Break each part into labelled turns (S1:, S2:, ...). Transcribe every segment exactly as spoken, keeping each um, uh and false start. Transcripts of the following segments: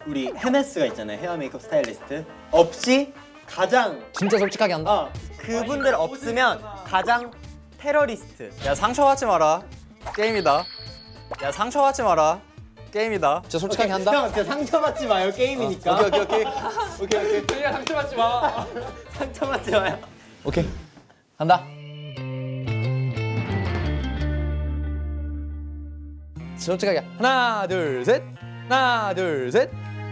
S1: 우리 헤메스가 있잖아요. 헤어 메이크업 스타일리스트 없이 가장
S2: 진짜 솔직하게 한다.
S1: 어 그분들 없으면 가장 테러리스트.
S3: 야 상처받지 마라. 게임이다. 야 상처받지 마라. 게임이다.
S2: 진짜 솔직하게 한다.
S1: 형 진짜 상처받지 마요. 게임이니까.
S2: 오케이 오케이 오케이 오케이 오케이.
S3: 그냥 상처받지 마.
S1: 상처받지 마요.
S2: 오케이 한다. 솔직하게 하나 둘 셋. 하나 둘 셋.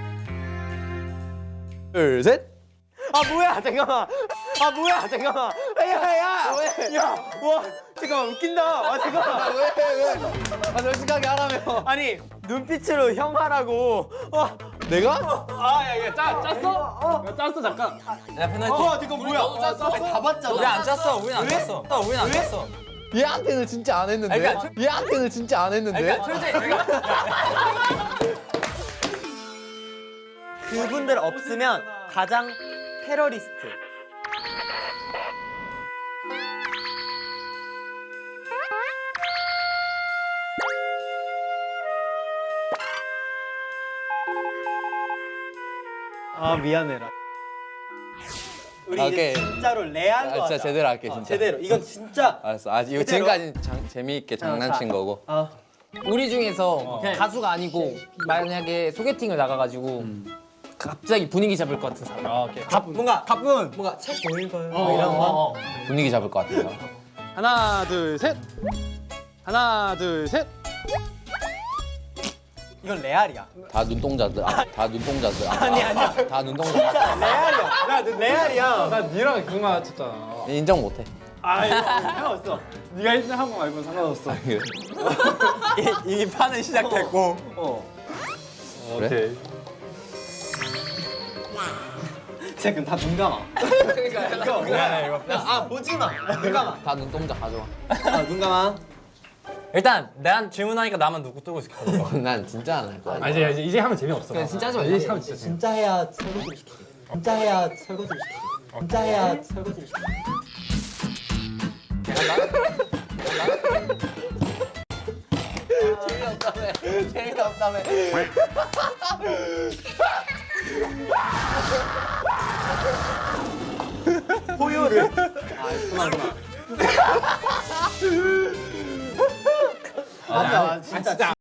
S2: 둘 셋.
S1: 아 뭐야 잠깐만. 아 뭐야 잠깐만. 야야. 왜? 야 와 잠깐만 웃긴다. 아 잠깐만.
S2: 왜 왜? 아 솔직하게 하라며.
S1: 아니 눈빛으로 형 하라고. 와.
S2: 내가?
S3: 아야야 짰 짰어? 야 짰어 잠깐. 야 페널티.
S1: 어 잠깐 뭐야? 아, 다 봤잖아.
S3: 우리 안 짰어. 우린 안 짰어. 어, 우린 안 짰어.
S2: 얘한테는 진짜 안 했는데.
S3: 아니, 그러니까
S2: 얘한테는 진짜 안 했는데.
S3: 그러니까 솔직히 그러니까
S1: 그분들 없으면 가장 테러리스트. 아 미안해라. 우리
S2: 아,
S1: 이제
S2: 오케이.
S1: 진짜로 레알
S2: 아,
S1: 거
S2: 진짜
S1: 하자.
S2: 제대로 할게
S1: 어,
S2: 진짜.
S1: 제대로. 이건 진짜.
S2: 알았어. 아 이거
S1: 그대로?
S2: 지금까지 장, 재미있게 장난친
S1: 자.
S2: 거고.
S1: 어.
S4: 우리 중에서 가수가 아니고 만약에 소개팅을 나가가지고 갑자기 분위기 잡을 것 같은 사람.
S3: 아, 오케이.
S1: 갑 뭔가 가쁜 뭔가 책 보일까요?
S4: 어,
S1: 이런 거.
S4: 어, 어.
S2: 분위기 잡을 것 같아요.
S3: 하나 둘 셋. 하나 둘 셋.
S1: 이건 레알이야.
S2: 다 눈동자들. 아, 다 눈동자들. 아,
S1: 아니 아니야.
S2: 다 눈동자.
S1: 진짜 레알이야. 야, 너 레알이야.
S3: 나 니랑 그거 맞췄잖아.
S2: 인정 못해.
S1: 아, 이거 상관없어.
S3: 네가 일 등 한 거 말고는 상관없어.
S1: 이, 이 판은 시작됐고. 어.
S2: 그래?
S1: 진짜 그럼 다 눈 감아. 그러니까 이거 미안해 이거. 아 보지 마. 눈 감아.
S2: 다 눈동자 가져와.
S1: 아, 눈 감아.
S3: 일단 내한 질문하니까 나만 누구 뜨고 있을게.
S2: 난 진짜 안 할 거야.
S3: 아 이제 이제 이제 하면 재미없어.
S4: 그냥 진짜 하지 마.
S3: 이제 하면 진짜 재미.
S1: 진짜 해야 설거지를 시키지. 진짜 해야 설거지를 시키지. 진짜 해야 설거지를 시키지.
S2: 재미없다며. 재미없다며.
S1: 포유를. 아 그만 그만. 맞아 진짜.